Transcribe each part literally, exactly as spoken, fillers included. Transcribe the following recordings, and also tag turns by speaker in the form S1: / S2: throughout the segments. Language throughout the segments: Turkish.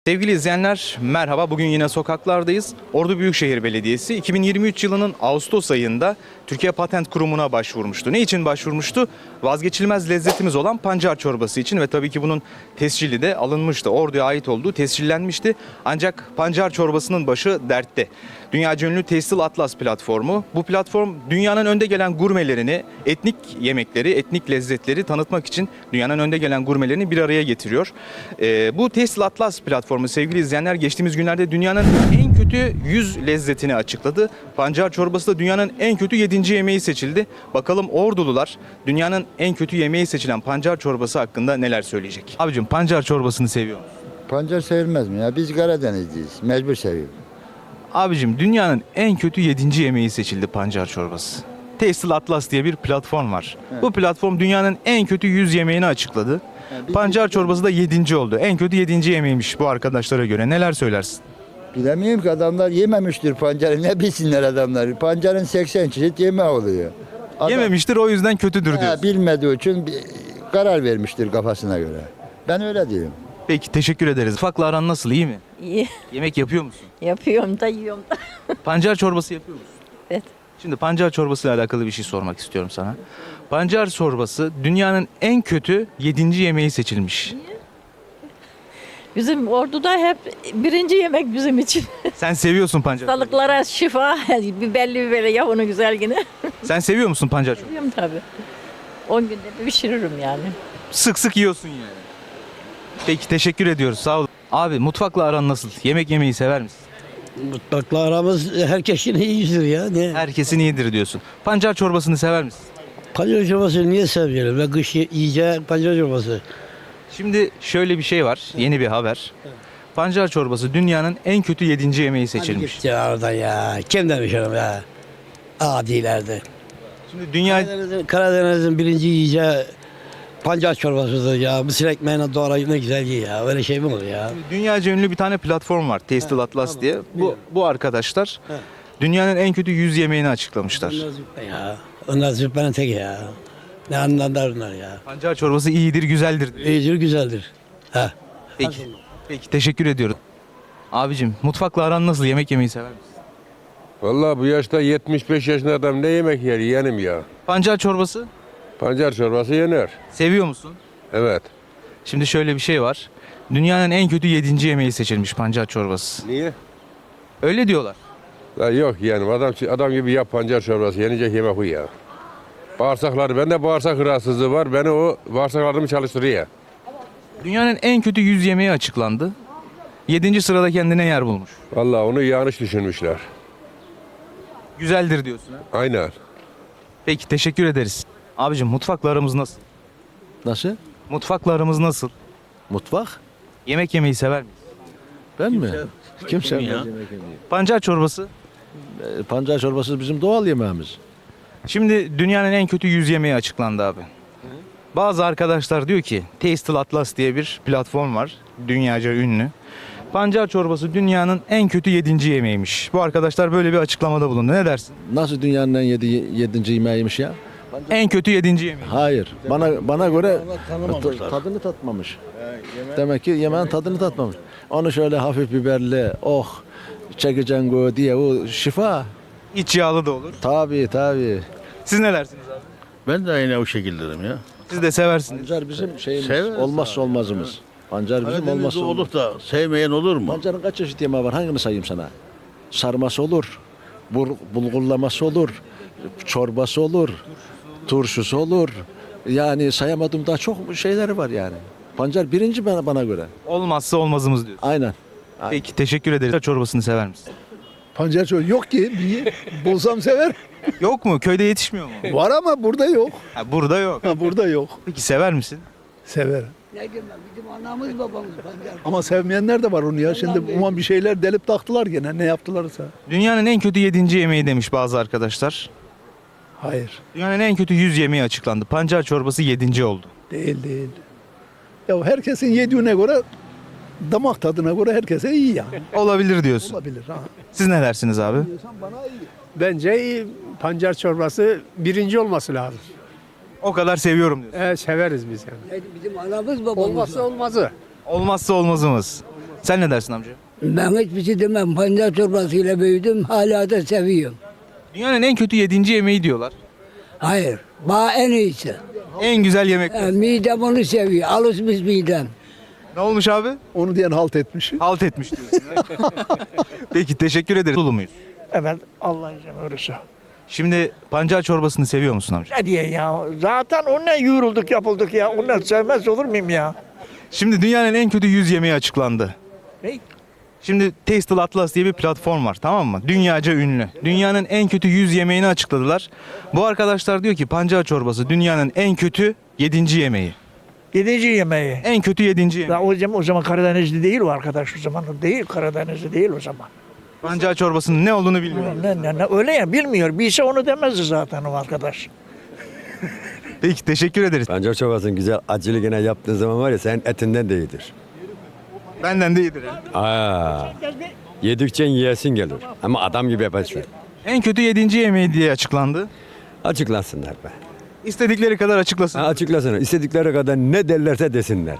S1: Sevgili izleyenler merhaba. Bugün yine sokaklardayız. Ordu Büyükşehir Belediyesi iki bin yirmi üç yılının Ağustos ayında Türkiye Patent Kurumu'na başvurmuştu. Ne için başvurmuştu? Vazgeçilmez lezzetimiz olan pancar çorbası için ve tabii ki bunun tescili de alınmıştı. Ordu'ya ait olduğu tescillenmişti. Ancak pancar çorbasının başı dertte. Dünyaca ünlü Tastel Atlas platformu. Bu platform dünyanın önde gelen gurmelerini, etnik yemekleri, etnik lezzetleri tanıtmak için dünyanın önde gelen gurmelerini bir araya getiriyor. Ee, bu Tastel Atlas platformu sevgili izleyenler geçtiğimiz günlerde dünyanın en kötü yüz lezzetini açıkladı. Pancar çorbası da dünyanın en kötü yedinci yemeği seçildi. Bakalım Ordulular dünyanın en kötü yemeği seçilen pancar çorbası hakkında neler söyleyecek? Abicim pancar çorbasını seviyor musun?
S2: Pancar sevilmez mi ya? Biz Karadenizliyiz. Mecbur seviyoruz.
S1: Abicim dünyanın en kötü yedinci yemeği seçildi pancar çorbası. Tastel Atlas diye bir platform var.
S2: Evet.
S1: Bu platform dünyanın en kötü yüz yemeğini açıkladı.
S2: Yani biz-
S1: Pancar çorbası da yedinci oldu. En kötü yedinci yemeğiymiş bu arkadaşlara göre. Neler söylersin?
S2: Bilemiyorum ki adamlar yememiştir pancarı. Ne bilsinler adamlar. Pancarın seksen çeşit yemeği oluyor. Adam,
S1: Yememiştir o yüzden kötüdür
S2: Ha,
S1: diyorsun.
S2: bilmediği için bir karar vermiştir kafasına göre. Ben öyle diyorum.
S1: Peki teşekkür ederiz. Ufakla aran nasıl, iyi mi?
S3: İyi.
S1: Yemek yapıyor musun?
S3: Yapıyorum da yiyorum da.
S1: Pancar çorbası yapıyor musun?
S3: Evet.
S1: Şimdi pancar çorbası ile alakalı bir şey sormak istiyorum sana. Pancar çorbası dünyanın en kötü yedinci yemeği seçilmiş.
S3: Bizim orduda hep birinci yemek bizim için.
S1: Sen seviyorsun pancar çorbası.
S3: Hastalıklara şifa, biberli biberli ya onu güzel yine.
S1: Sen seviyor musun pancar çorbası?
S3: Yiyorum tabii. on günde bir pişiririm yani.
S1: Sık sık yiyorsun yani. Peki teşekkür ediyoruz, sağ ol. Abi mutfakla aran nasıl? Yemek yemeyi sever misin?
S4: Mutlakla aramız herkesin iyidir ya. Ne?
S1: Herkesin iyidir diyorsun. Pancar çorbasını sever misin?
S4: Pancar çorbası niye sevmiyorum? Ben kış yiyeceğim pancar çorbası.
S1: Şimdi şöyle bir şey var, yeni bir haber. Pancar çorbası dünyanın en kötü yedinci yemeği seçilmiş.
S4: Hadi git ya oradan ya. Kim demiş onu ya? Adilerde.
S1: Şimdi dünya
S4: Karadeniz'in, Karadeniz'in birinci yiyeceği pancar çorbasıdır ya. Mısır ekmeğine doğrayıp ne güzel yiyor ya. Öyle şey mi olur ya?
S1: dünyaca ünlü bir tane platform var, Tastel Atlas
S4: tamam,
S1: diye. Bu
S4: biliyorum.
S1: bu arkadaşlar
S4: He.
S1: dünyanın en kötü yüz yemeğini açıklamışlar.
S4: Onlar züppe ya. Onlar züppenin teki ya. Ne anlarlar onlar ya.
S1: Pancar çorbası iyidir, güzeldir diyor.
S4: İyidir güzeldir. Ha.
S1: Peki. Peki teşekkür ediyoruz. Abicim mutfakla aran nasıl? Yemek yemeyi sever misin?
S5: Vallahi bu yaşta yetmiş beş yaşında adam ne yemek yer yeğenim ya.
S1: Pancar çorbası
S5: Pancar çorbası yenir.
S1: seviyor musun?
S5: Evet.
S1: Şimdi şöyle bir şey var. Dünyanın en kötü yedinci yemeği seçilmiş pancar çorbası.
S5: Niye?
S1: Öyle diyorlar.
S5: La yok yeğenim adam adam gibi yap pancar çorbası yenecek yemek bu ya. Bağırsakları bende bağırsak rahatsızlığı var. Beni o bağırsaklarımı çalıştırıyor.
S1: Dünyanın en kötü yüz yemeği açıklandı. Yedinci sırada kendine yer bulmuş.
S5: Vallahi onu yanlış düşünmüşler.
S1: Güzeldir diyorsun ha.
S5: Aynen.
S1: Peki teşekkür ederiz. Abicim mutfakla aramız nasıl?
S6: Nasıl?
S1: Mutfakla aramız nasıl?
S6: Mutfak?
S1: Yemek yemeyi sever miyiz?
S6: Ben mi? Kim sevmez yemek yemeyi?
S1: Pancar çorbası.
S6: E, Pancar çorbası bizim doğal yemeğimiz.
S1: Şimdi dünyanın en kötü yüz yemeği açıklandı abi. Bazı arkadaşlar diyor ki Tastel Atlas diye bir platform var. Dünyaca ünlü. Pancar çorbası dünyanın en kötü yedinci yemeğiymiş. Bu arkadaşlar böyle bir açıklamada bulundu. Ne dersin?
S6: Nasıl dünyanın en yedi, yedinci yemeğiymiş ya?
S1: En kötü yedinci yemeği.
S6: Hayır. Bana bana göre
S4: tanımamışlar.
S6: ta- tadını tatmamış. Demek ki yemeğin tadını tatmamış. Onu şöyle hafif biberli, oh çekeceksin go diye o şifa.
S1: İç yağlı da olur.
S6: Tabii tabii.
S1: Siz ne dersiniz abi?
S7: Ben de aynı o şekilderim ya.
S1: Siz de seversiniz.
S6: Pancar bizim şeyimiz,
S7: Severiz
S6: olmazsa olmazımız. Pancar bizim
S7: Karadeniz'de
S6: olmazsa olmaz.
S7: olup da sevmeyen olur mu?
S6: Pancarın kaç çeşit yemeği var? Hangini sayayım sana? Sarması olur, bul- bulgurlaması olur, çorbası olur, turşusu olur. Yani sayamadığım daha çok şeyleri var yani. Pancar birinci bana, bana göre.
S1: Olmazsa olmazımız diyor.
S6: Aynen.
S1: Peki teşekkür ederiz. Pancar çorbasını sever misin?
S8: Pancar çorbası yok ki. Bir bulsam sever.
S1: Yok mu? Köyde yetişmiyor mu?
S8: Var ama burada yok.
S1: Ha, burada yok.
S8: Ha, burada yok.
S1: Peki sever misin?
S8: Sever. Ama sevmeyenler de var onu ya. Şimdi uman bir şeyler delip taktılar gene. Ne yaptılarsa.
S1: Dünyanın en kötü yedinci yemeği demiş bazı arkadaşlar.
S8: Hayır.
S1: Dünyanın en kötü yüz yemeği açıklandı. Pancar çorbası yedinci oldu.
S8: Değil değil. Ya herkesin yediğine göre damak tadına göre herkese iyi yani.
S1: Olabilir diyorsun.
S8: Olabilir ha.
S1: Siz ne dersiniz abi?
S9: Bence pancar çorbası birinci olması lazım.
S1: O kadar seviyorum diyorsun.
S9: Evet, severiz biz yani.
S4: Bizim anamız babamız.
S9: Olmazsa olmazı.
S1: Olmazsa olmazımız. Sen ne dersin amca?
S4: Ben hiçbir şey demem. Pancar çorbasıyla büyüdüm. Hala da seviyorum.
S1: Dünyanın en kötü yedinci yemeği diyorlar.
S4: Hayır. Bana en iyisi.
S1: En güzel yemek.
S4: E, midem onu seviyor. Alışmış midem.
S1: Ne olmuş abi?
S8: Onu diyen halt etmiş.
S1: Halt etmiş diyorsun. Peki teşekkür ederiz. Dolu muyuz?
S10: Evet Allah izin verirse.
S1: Şimdi pancar çorbasını seviyor musun amca?
S10: Ne diye ya? Zaten onunla yorulduk yapıldık ya. Ondan sevmez olur muyum ya?
S1: Şimdi dünyanın en kötü yüz yemeği açıklandı.
S10: Ne?
S1: Şimdi Tastel Atlas diye bir platform var, tamam mı? Dünyaca ünlü. Dünyanın en kötü yüz yemeğini açıkladılar. Bu arkadaşlar diyor ki pancar çorbası dünyanın en kötü yedinci yemeği.
S10: Yedinci yemeği.
S1: En kötü yedinci yemeği.
S10: Ya o zaman, o zaman Karadenizli değil o arkadaş o zaman. Değil Karadenizli değil o zaman.
S1: Pancar çorbasının ne olduğunu bilmiyor.
S10: Ne, ne, ne, öyle ya bilmiyor. Bilse onu demezdi zaten o arkadaş.
S1: Peki teşekkür ederiz.
S11: Pancar çorbasının güzel acılı gene yaptığın zaman var ya senin etinden de iyidir.
S1: Benden de iyidir.
S11: Aa, yedikçe yiyesin gelir. Ama adam gibi yaparsın.
S1: En kötü yedinci yemeği diye açıklandı.
S11: Açıklansınlar be.
S1: İstedikleri kadar açıklasın.
S11: Ha, açıklasınlar. İstedikleri kadar ne derlerse desinler.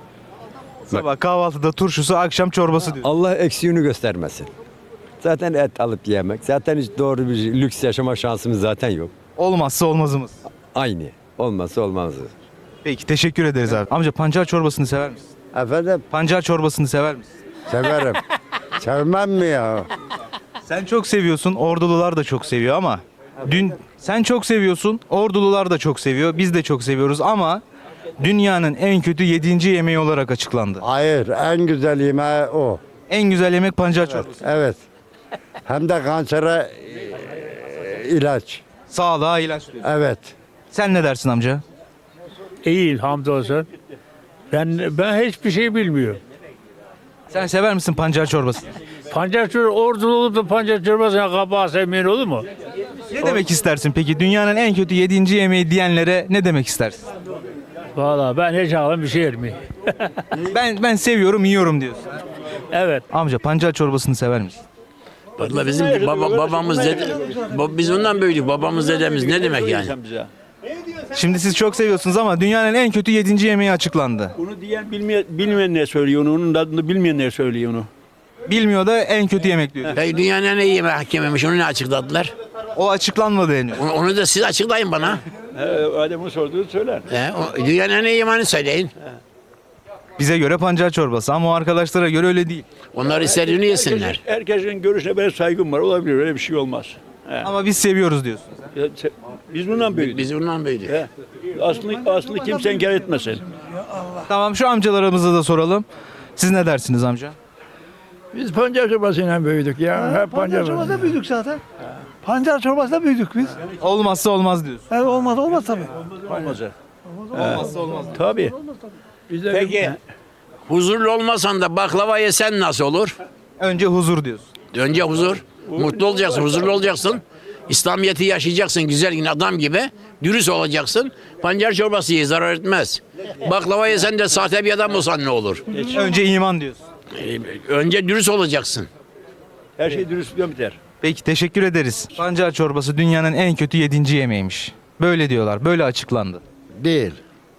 S1: Sabah kahvaltıda turşusu, akşam çorbası diyor.
S11: Allah eksiğini göstermesin. Zaten et alıp yemek. Zaten hiç doğru bir lüks yaşama şansımız zaten yok.
S1: Olmazsa olmazımız.
S11: Aynı. Olmazsa olmazdı.
S1: Peki teşekkür ederiz abi. Amca pancar çorbasını sever misin?
S2: Efendim
S1: Pancar çorbasını sever misin?
S2: severim. Sevmem mi ya?
S1: Sen çok seviyorsun, ordulular da çok seviyor ama dün sen çok seviyorsun, ordulular da çok seviyor, biz de çok seviyoruz ama dünyanın en kötü yedinci yemeği olarak açıklandı.
S2: Hayır en güzel yemeği o.
S1: En güzel yemek pancar çorbası.
S2: Evet. Hem de kansere e, ilaç.
S1: Sağlığa ilaç diyor.
S2: Evet.
S1: Sen ne dersin amca?
S9: İyi hamdolsun. Ben ben hiçbir şey bilmiyorum.
S1: Sen sever misin pancar çorbasını?
S9: Pancar çorbası ordulu olup da pancar çorbasına kabağı sevmeyen olur mu?
S1: Ne demek istersin peki? Dünyanın en kötü yedinci yemeği diyenlere ne demek istersin?
S9: Vallahi ben hiç ağlam bir şey yermeyim.
S1: Ben ben seviyorum, yiyorum diyorsun.
S9: Evet.
S1: Amca pancar çorbasını sever misin?
S7: Vallahi bizim baba, babamız dede, bab- biz ondan büyüdük. Babamız dedemiz ne demek yani?
S1: Şimdi siz çok seviyorsunuz ama dünyanın en kötü yedinci yemeği açıklandı.
S8: Onu diyen bilmeyen, bilmeyenler söylüyor onu. Onun adını bilmeyenler söylüyor onu.
S1: Bilmiyor da en kötü yemek diyor.
S7: Peki dünyanın en iyi yemek yememiş onu ne açıkladılar?
S1: O açıklanmadı henüz.
S7: Onu, onu da siz açıklayın bana.
S8: Adem'in sorduğunu söyler.
S7: He, o, dünyanın en iyi yemeğini söyleyin.
S1: Bize göre pancar çorbası ama o arkadaşlara göre öyle değil.
S7: Onlar istediğini yesinler.
S8: Herkesin görüşüne benim saygım var. Olabilir öyle bir şey olmaz.
S1: Ama biz seviyoruz diyorsun.
S8: Biz bundan büyüdük.
S7: Biz bundan büyüdük.
S8: Aslında, aslında kimse inkar etmesin.
S1: Tamam şu amcalarımıza da soralım. Siz ne dersiniz amca?
S10: Biz pancar çorbasıyla büyüdük ya. Hep pancar çorbasıyla büyüdük zaten. Pancar çorbasıyla büyüdük biz.
S1: Olmazsa olmaz diyorsun.
S10: Evet, olmaz olmaz tabii.
S8: Olmaz.
S1: Olmazsa olmaz.
S8: Tabii.
S7: Peki huzurlu olmasan da baklava yesen nasıl olur?
S1: Önce huzur diyorsun.
S7: Önce huzur. Mutlu olacaksın, huzurlu olacaksın. İslamiyet'i yaşayacaksın güzel yine adam gibi. Dürüst olacaksın. Pancar çorbası ye zarar etmez. Baklava yesen de sahte bir adam olsan ne olur?
S1: Önce iman diyorsun.
S7: Ee, Önce dürüst olacaksın.
S8: Her şey dürüstlüğe biter.
S1: Peki teşekkür ederiz. Pancar çorbası dünyanın en kötü yedinci yemeğiymiş. Böyle diyorlar. Böyle açıklandı.
S2: Değil.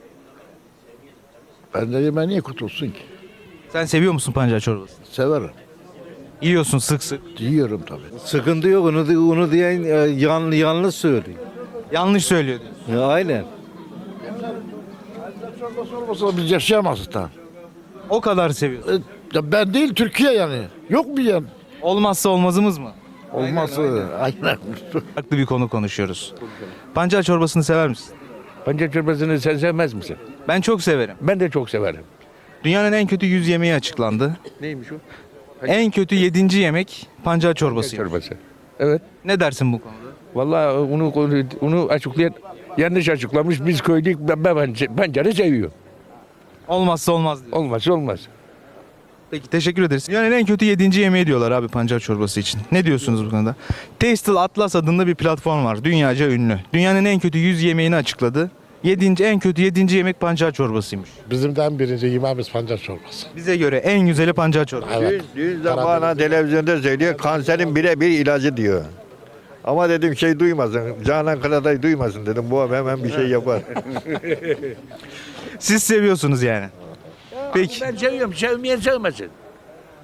S2: Ben de yemeği niye kurtulsun ki?
S1: Sen seviyor musun pancar çorbasını?
S2: Severim.
S1: Yiyorsun sık sık.
S2: Yiyorum tabii.
S12: Sıkıntı yok. Onu, onu diyen e, yan, yanlış söylüyor.
S1: Yanlış söylüyor diyorsun.
S12: Ya, aynen.
S2: Olmasa biz yaşayamazdık da.
S1: O kadar seviyorsun.
S2: Ya ben değil Türkiye yani. Yok mu yani?
S1: Olmazsa olmazımız mı?
S2: Olması. Aynen.
S1: Farklı bir konu konuşuyoruz. Pancar çorbasını sever misin?
S8: Pancar çorbasını sen sevmez misin?
S1: Ben çok severim.
S8: Ben de çok severim.
S1: Dünyanın en kötü yüz yemeği açıklandı.
S8: Neymiş o?
S1: En kötü yedinci yemek pancar çorbası.
S8: Çorbası. Evet.
S1: Ne dersin bu konuda?
S8: Vallahi onu onu açıklayan yanlış açıklamış. Biz köylük ben, ben pancarı seviyor.
S1: Olmazsa olmaz diyor.
S8: Olmaz olmaz.
S1: Peki teşekkür ederiz. Dünyanın en kötü yedinci yemeği diyorlar abi pancar çorbası için. Ne diyorsunuz bu konuda? Tastel Atlas adında bir platform var. Dünyaca ünlü. Dünyanın en kötü yüz yemeğini açıkladı. Yedinci, en kötü yedinci yemek pancar çorbasıymış.
S2: Bizim de en birinci yemeğimiz pancar çorbası.
S1: Bize göre en güzeli pancar çorbası.
S2: Evet.
S12: Dün bana televizyonda söylüyor kanserin birebir ilacı diyor. Ama dedim şey duymasın, Canan Karadayı duymasın dedim. Bu abi hemen bir şey yapar.
S1: Siz seviyorsunuz yani. Peki.
S8: Ben seviyorum. Sevmeyen sevmesin.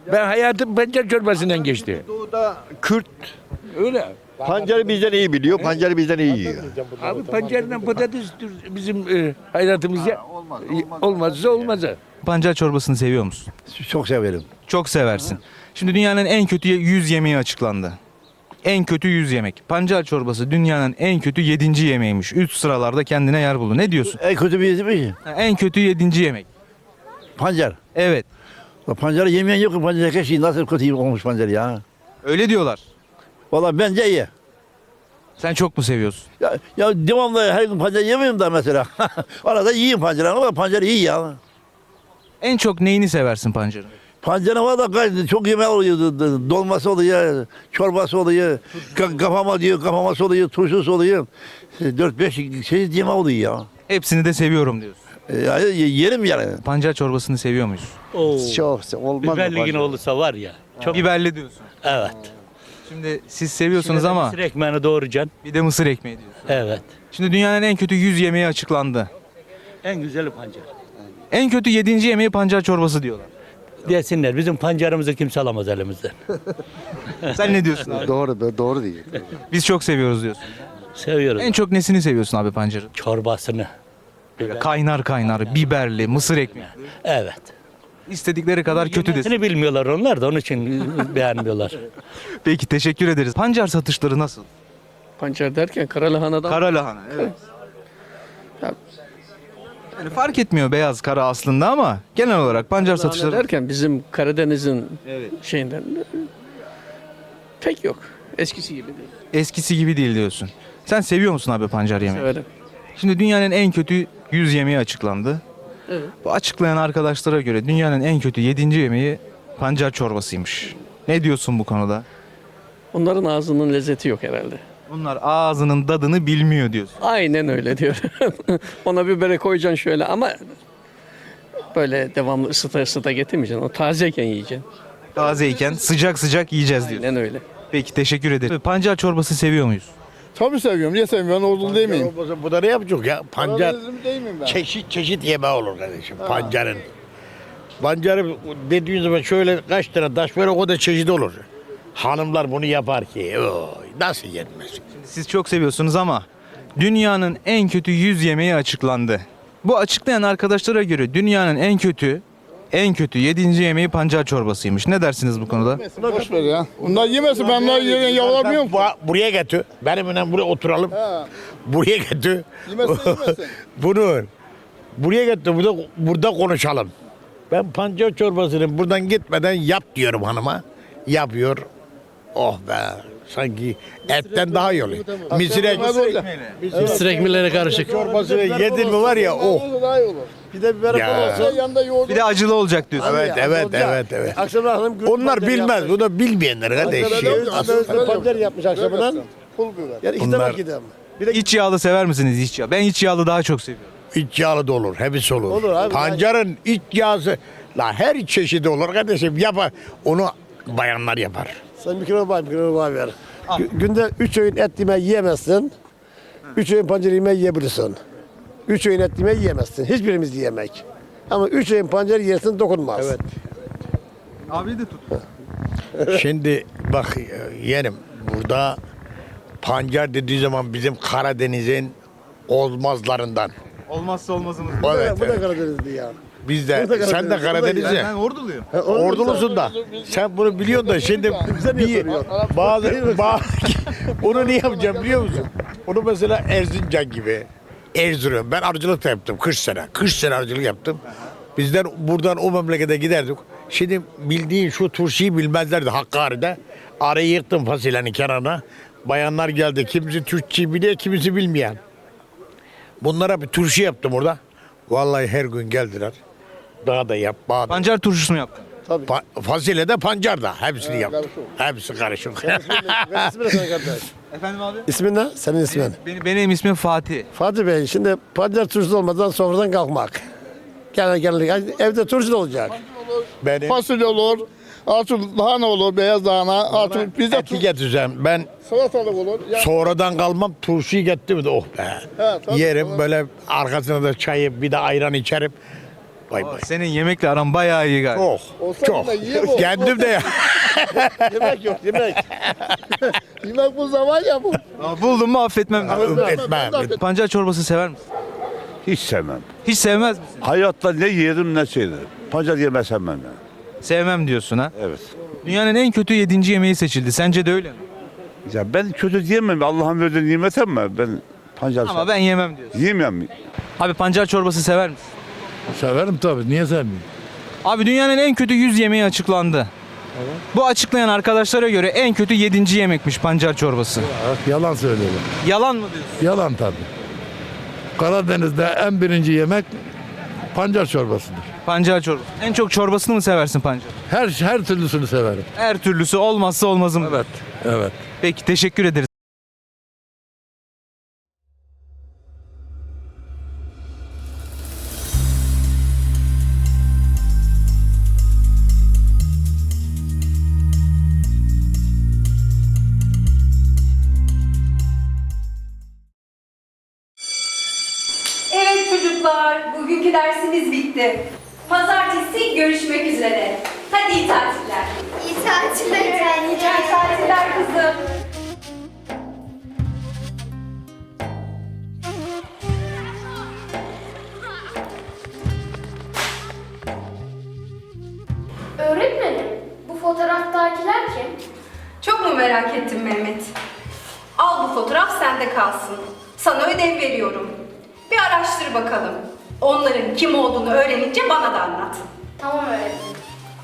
S9: Ben hayatım pancar çorbasından geçti.
S12: Doğuda Kürt
S9: Öyle.
S12: pancarı bizden iyi biliyor, pancarı bizden iyi yiyor.
S9: Abi pancarla patates bizim e, hayatımızda olmazsa olmazı.
S1: Pancar çorbasını seviyor musun?
S8: Çok severim.
S1: Çok seversin. Şimdi dünyanın en kötü yüz yemeği açıklandı. En kötü yüz yemek. Pancar çorbası dünyanın en kötü yedinci yemeğiymiş. Üst sıralarda kendine yer buldu. Ne diyorsun?
S8: En kötü bir yemek mi?
S1: Ha, En kötü yedinci yemek.
S8: Pancar.
S1: Evet.
S8: La pancarı yemeyen yok ki pancar keşke nasıl kötü olmuş pancar ya.
S1: Öyle diyorlar.
S8: Vallahi bence iyi.
S1: Sen çok mu seviyorsun?
S8: Ya, ya devamlı her gün pancar yemiyorum da mesela. Arada yiyeyim pancarı ama pancar iyi ya.
S1: En çok neyini seversin pancarın?
S8: Pancarın valla gayet çok yemek oluyor. Dolması oluyor, çorbası oluyor, ka- kafama diyor, kafaması oluyor, turşusu oluyor. Dört beş şey yemek oluyor ya.
S1: Hepsini de seviyorum diyorsun.
S8: E, Ya, ye- yerim yani.
S1: Pancar çorbasını seviyor muyuz?
S10: Çok olmaz.
S9: Biberli olursa var ya. Çok
S1: Biberli diyorsun.
S9: evet.
S1: Şimdi siz seviyorsunuz ama
S9: Mısır ekmeğini doğrayacaksın.
S1: bir de mısır ekmeği diyorsun.
S9: Evet.
S1: Şimdi dünyanın en kötü yüz yemeği açıklandı.
S9: En güzeli pancar.
S1: En kötü yedinci yemeği pancar çorbası diyorlar.
S9: Desinler bizim pancarımızı kimse alamaz elimizden.
S1: Sen ne diyorsun abi?
S10: Doğru, doğru değil.
S1: Biz çok seviyoruz diyorsun.
S9: Seviyoruz.
S1: En çok nesini seviyorsun abi pancarın?
S9: Çorbasını.
S1: Böyle kaynar kaynar, biberli, mısır ekmeği.
S9: Evet.
S1: İstedikleri kadar kötü desin.
S9: Yemesini bilmiyorlar onlar da onun için beğenmiyorlar.
S1: Peki teşekkür ederiz. Pancar satışları nasıl?
S10: Pancar derken karalahana'dan.
S1: Kara lahana evet. Yani fark etmiyor beyaz kara aslında ama genel olarak pancar satışları
S10: derken bizim Karadeniz'in
S1: evet.
S10: şeyinden pek yok. Eskisi gibi değil.
S1: eskisi gibi değil diyorsun. Sen seviyor musun abi pancar yemeği?
S10: Severim.
S1: Şimdi dünyanın en kötü yüz yemeği açıklandı.
S10: Evet.
S1: Bu açıklayan arkadaşlara göre dünyanın en kötü yedinci yemeği pancar çorbasıymış. Ne diyorsun bu konuda?
S10: Onların ağzının lezzeti yok herhalde.
S1: Onlar ağzının tadını bilmiyor diyorsun.
S10: Aynen öyle diyor. Ona bibere koyacaksın şöyle ama böyle devamlı ısıta ısıta getirmeyeceksin. O tazeyken yiyeceksin.
S1: Tazeyken sıcak sıcak yiyeceğiz diyor.
S10: Aynen öyle.
S1: Peki teşekkür ederim. Pancar çorbası seviyor muyuz?
S13: Tabii seviyorum. Niye sevmiyorum? Ben ordulu değil miyim?
S8: Bu da ne yapacak ya? Pancar
S13: Karadenizli değil miyim ben?
S8: çeşit çeşit yemeği olur kardeşim pancarın. Pancarı dediğin zaman şöyle kaç tane taş böyle o da çeşit olur. Hanımlar bunu yapar ki oy, nasıl yenmez?
S1: Siz çok seviyorsunuz ama dünyanın en kötü yüz yemeği açıklandı. Bu açıklayan arkadaşlara göre dünyanın en kötü en kötü yedinci yemeği pancar çorbasıymış. Ne dersiniz bu konuda?
S13: Boş ver ya. Bunlar yemesin. Ben bunları yerine yavrulamıyorum.
S8: Bu- Buraya getir. Benimle buraya oturalım.
S13: Ha.
S8: Buraya getir.
S13: Yemesin yemesin.
S8: Bunu buraya getir. Burada, burada konuşalım. Ben pancar çorbasını buradan gitmeden yap diyorum hanıma. Yapıyor. Oh be. Sanki etten daha iyi oluyor. Misir ekmeği.
S10: Mısır ekmeğiyle karışık.
S8: Çorbasını yedin mi var ya oh.
S13: Daha iyi olur.
S8: Bir de biber
S13: Ya. Yanında yoğurdu.
S1: Bir de acılı olacak diyorsun.
S8: Evet, evet, evet, evet. Onlar bilmez. Bu da bilmeyenler kardeşim.
S13: Pancar yapmış akşamından. Pul biber.
S8: Bunlar
S1: İç yağlı sever misiniz iç yağ? Ben iç yağlı daha çok seviyorum.
S8: iç yağlı da olur. Hepsi olur. Pancarın iç yağısı. La her çeşidi olur kardeşim. Yapar. Onu bayanlar yapar.
S13: Sen bir kilo var, bir kilo var ver. Günde üç öğün et yemeği yiyemezsin. Üç öğün pancar yemeği yiyebilirsin. Üç öğün et yemeği yiyemezsin. Hiçbirimiz yiyemek. Ama üç öğün pancar yersin dokunmaz.
S8: Evet.
S1: Abi de tut.
S8: Şimdi bak yeğenim burada pancar dediği zaman bizim Karadeniz'in olmazlarından.
S1: Olmazsa olmazımız.
S8: Evet,
S13: Bu da
S8: evet.
S13: Karadenizli ya.
S8: Biz de,
S13: Bu da
S8: sen de
S13: Karadeniz.
S8: Karadenizli.
S1: Ben orduluyum.
S8: Ordulusun da. Sen bunu biliyorsun da şimdi bir bazı, bazı onu ne yapacağım biliyor musun? Onu mesela Erzincan gibi. Erzurum. Ben arıcılık da yaptım kırk sene. kırk sene arıcılık yaptım. Bizden buradan o memlekete giderdik. Şimdi bildiğin şu turşuyu bilmezlerdi Hakkari'de. Arayı yıktım fasulyenin kenarına. Bayanlar geldi. Kimisi Türkçeyi biliyor, kimisi bilmeyen. Bunlara bir turşu yaptım orada. Vallahi her gün geldiler. Daha da yap, bağda.
S1: Pancar turşusu mu yaptın?
S8: Pa- fasulye de pancar da. Hepsini yaptım. Hepsi karışık.
S1: Efendim abi?
S13: İsmin ne? Senin ismin.
S1: Benim, benim ismim Fatih.
S13: Fatih Bey, şimdi pancar turşusu olmadan sofradan kalkmak. Genel genel evde turşu da olacak.
S8: Benim
S13: Fasulye olur, artı lahana olur, beyaz lahana, artı pizza
S8: eti getireceğim. Ben
S13: salatalık olur. Ya,
S8: sonradan kalmam turşuyu getirdim de oh be.
S13: He, tabii,
S8: Yerim
S13: tabii.
S8: böyle arkasına da çayı bir de ayran içerim. Bay bay.
S1: Senin yemekle aran bayağı iyi galiba.
S8: Çok. Çok. Kendim de ya.
S13: Yemek yok yemek. yemek bu zaman ya bu.
S1: Ama buldum mu affetmem.
S8: Etmem.
S1: Pancar çorbası sever misin?
S12: Hiç sevmem.
S1: Hiç sevmez misin?
S12: Hayatta ne yedim ne şeydim. Pancar yemesem ben ya.
S1: Sevmem diyorsun ha.
S12: Evet.
S1: Dünyanın en kötü yedinci yemeği seçildi. Sence de öyle mi?
S12: Ya ben kötü diyemem. Allah'ın verdiği nimet ama ben pancar
S1: Ama ben yemem diyorsun.
S12: yiyemem.
S1: Abi pancar çorbası sever misin?
S9: Severim tabii. Niye sevmeyeyim?
S1: Abi dünyanın en kötü yüz yemeği açıklandı. Bu açıklayan arkadaşlara göre en kötü yedinci yemekmiş pancar çorbası.
S9: Yalan söylüyorlar.
S1: Yalan mı diyorsun?
S9: Yalan tabii. Karadeniz'de en birinci yemek pancar çorbasıdır.
S1: Pancar çorbası. En çok çorbasını mı seversin pancar?
S9: Her her türlüsünü severim.
S1: Her türlüsü olmazsa olmazım.
S9: Evet. Evet.
S1: Peki teşekkür ederiz.
S14: Evet çocuklar, bugünkü dersimiz bitti. Pazartesi görüşmek üzere. Hadi iyi tatiller.
S15: İyi tatiller.
S14: İyi tatiller kızım.
S15: Öğretmenim, bu fotoğraftakiler kim?
S14: Çok mu merak ettin Mehmet? Al bu fotoğraf sende kalsın. Sana ödev veriyorum. Bir araştır bakalım. Onların kim olduğunu öğrenince bana da anlat.
S15: Tamam öğretmenim.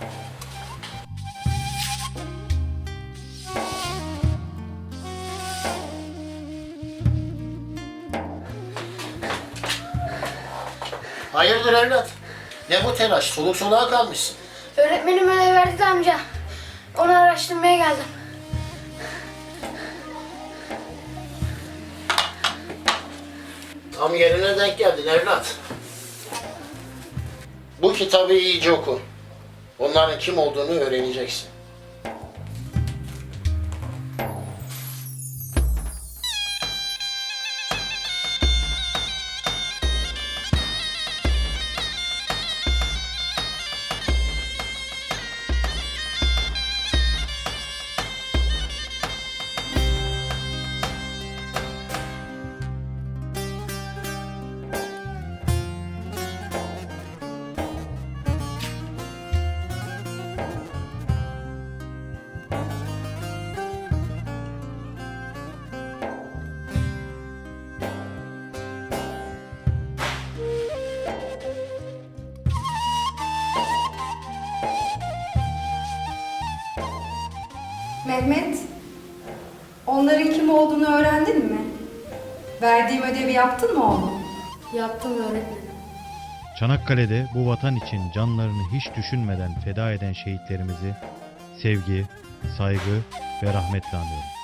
S13: Hayırdır evlat? Ne bu telaş? Soluk soluğa kalmışsın.
S15: Öğretmenim ödev verdi de amca. Onu araştırmaya geldim.
S13: Tam yerine denk geldin evlat. Bu kitabı iyice oku. Onların kim olduğunu öğreneceksin.
S14: Mehmet, onların kim olduğunu öğrendin mi? Verdiğim ödevi yaptın mı oğlum?
S15: Yaptım öğretmenim.
S16: Çanakkale'de bu vatan için canlarını hiç düşünmeden feda eden şehitlerimizi sevgi, saygı ve rahmetle anıyorum.